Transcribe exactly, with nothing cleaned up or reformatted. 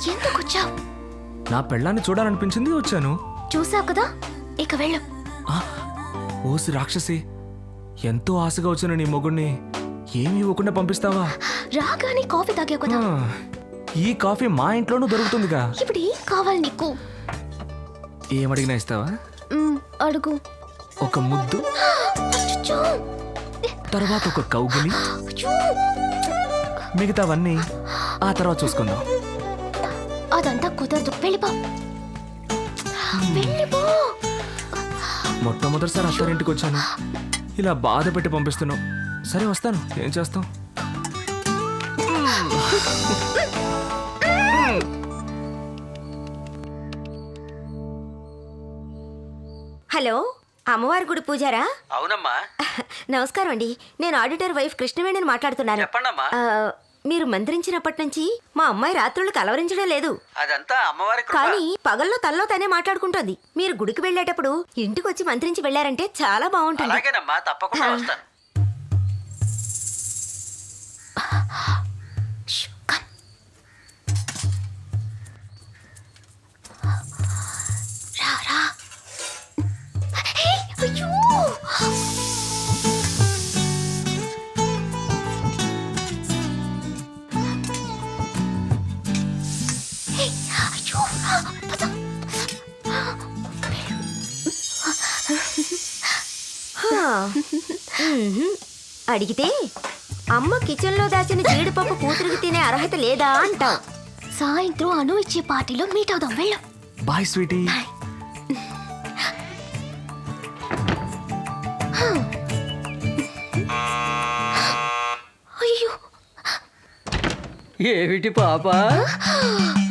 ఎందుకు వచ్చావు? నా పెళ్ళాన్ని చూడాలనిపించింది వచ్చాను. చూసావు కదా, ఇక వెళ్ళు. ఆ, ఓసి రాక్షసి, ఎంతో ఆశగా వచ్చిన నీ మొగుణ్ణి ఏమి ఇవ్వకుండా పంపిస్తావా? రాగానే కాఫీ తాగావు కదా. ఆ, ఈ కాఫీ మా ఇంట్లోనూ దొరుకుతుందిగా. ఇప్పుడు ఏం కావాలి నీకు? ఏమడిగినా ఇస్తావా? మ్, అడుగు. ఒక ముద్దు, అచ్చచ్చో! తర్వాత ఒక కౌగిలి, అచ్చో! మిగతావన్నీ ఆ తర్వాత చూసుకుందాం. అదంతా కుదరదు, వెళ్ళిపో. వెళ్ళిపో. మొట్టమొదటిసారి అత్తారింటికి వచ్చాను, ఇలా బాధ పెట్టి పంపిస్తున్నావు. సరే వస్తాను, ఏం చేస్తాం. హలో, అమ్మవారి గుడి పూజారా? అవునమ్మా. నమస్కారం అండి, నేను ఆడిటర్ వైఫ్ కృష్ణవేణిని మాట్లాడుతున్నాను. చెప్పండమ్మా. ఆ, మీరు మంత్రించినప్పటి నుంచి మా అమ్మాయి రాత్రులు కలవరించడం లేదు. అదంతా అమ్మవారి కృప. కానీ పగల్లో తల్లో తనే మాట్లాడుకుంటోంది. మీరు గుడికి వెళ్ళేటప్పుడు ఇంటికి వచ్చి మంత్రించి వెళ్ళారంటే చాలా బాగుంటుంది. అలాగేనమ్మా, తప్పకుండా ఆ. వస్తాను. ష్, కమ్. రా, రా. హే, అయ్యో! హే, అయ్యో! పద. హా. మ్మ్హ్మ్. అడిగితే అమ్మ కిచెన్లో దాచిన జీడిపప్పు కూతురికి తినే అర్హత లేదా అంటాం. సాయంత్రం అను ఇచ్చే పార్టీలో మీట్ అవుదాం, వెళ్ళు. Bye sweetie. అయ్యో! ఏమిటి పాప?